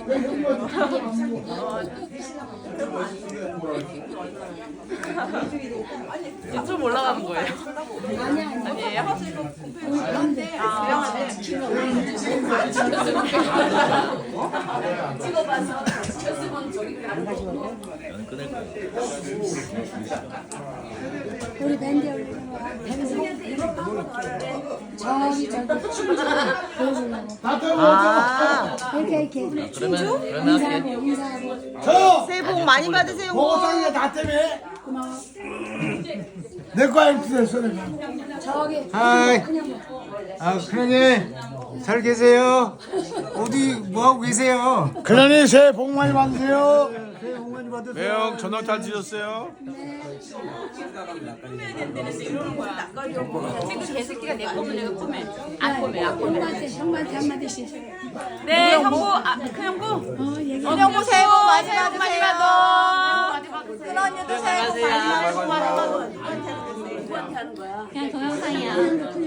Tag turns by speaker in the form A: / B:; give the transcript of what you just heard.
A: 유튜브 올라가는 거예요? 아니에요? 찍어봐서
B: 끊을 거야.
C: 우리 밴드 저기 보여주려고
D: 아,
C: 이렇게
B: 그러면 할게.
C: 인사하고
D: 새해 복 많이 받으세요.
E: 보고상이가 나 때문에
C: 고마워.
E: 내 거 아니면 됐어 내가.
C: 저기
F: 하이.
C: 그냥
F: 아, 큰언니 잘 계세요? 어디 뭐 하고 계세요?
E: 그러니 새해 복 많이 받으세요.
F: 새해 복 많이 받으세요.
G: 매형 저녁 잘 드셨어요?
A: 친구 개새끼가 내 꿈을 내가 꿈에 안 꿈에 안 꿈에.
C: 형한테 한마디씩.
A: 네, 형부, 큰 형부.
C: 얘기.
D: 형부 새해 복 많이
A: 새해 복 많이
D: 받으세요.
A: 받아.
D: 큰 언니도 새해 복 많이 받으세요.
C: 그냥 동영상이야.